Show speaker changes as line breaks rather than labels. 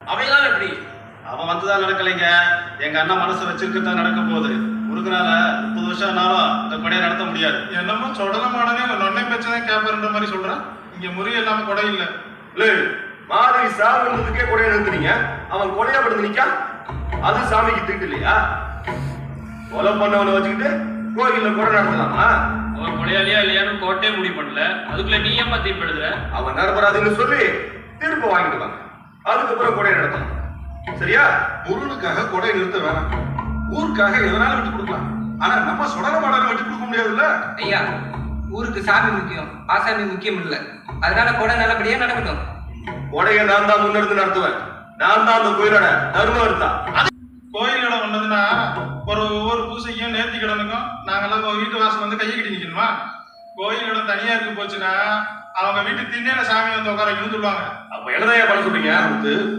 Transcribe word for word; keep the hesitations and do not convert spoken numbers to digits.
அவையெல்லாம் எப்படி?
அவன் வந்துதான் நடக்கலைங்க. எங்க அண்ணன் மனசு வச்சிருக்கதான் நடக்க போகுது. முருகனால முப்பது வருஷம் ஆனாலும் இந்த கொடையை நடத்த முடியாது.
என்னமோ சொடல மாடனே நொன்னை பேச்சதான் கேப்பர்ன்ற மாதிரி சொல்றான். இங்க முறி இல்லாம கொடை இல்ல.
மாதிரி சாவுன்றதுக்கே கொடையை நிறுத்துறீங்க. அவன் கொலையா படுத்து நிக்கா, அது சாமிக்கு திட்டு இல்லையா? கொலை பண்ணவனை வச்சுக்கிட்டு கோயில்ல கொடை நடத்தலாமா?
அவன் கொலையாளியா இல்லையான்னு கோட்டே முடிவு பண்ணல, அதுக்குள்ள நீ ஏமா தீர்ப்பு எழுதுற?
அவன் நிரபராதுன்னு சொல்லி தீர்ப்பு வாங்கிட்டு வாங்க, அதுக்கப்புறம் கொடை நடத்தலாம். சரியா?
முருகனுக்காக கொடை நிறுத்த வேணாம், ஊருக்காக எதனால விட்டு கொடுக்கலாம். ஆனா நம்ம சொடல மாடனை விட்டு கொடுக்க முடியாதுல்ல.
ஐயா, ஊருக்கு சாமி முக்கியம், ஆசாமி முக்கியம் இல்ல. அதனால கொடை நல்லபடியா நடக்கட்டும்.
கொடையை நான் தான் முன்னெடுத்து நடத்துவேன். நான் தான் அந்த கோயிலோட தர்மம் எடுத்தா.
கோயிலோட ஒன்னதுன்னா ஒரு ஒவ்வொரு பூசைக்கும் நேர்த்தி கிடனுக்கும் நாங்கெல்லாம் வீட்டு வாசல் வந்து கையை கட்டி நிக்கணுமா? கோயிலோட தனியா இருக்கு போச்சுன்னா அவங்க வீட்டு திண்ணையில சாமி வந்து உட்கார சொல்லுவாங்க.
அப்ப என்னதான் பண்ண சொல்றீங்க?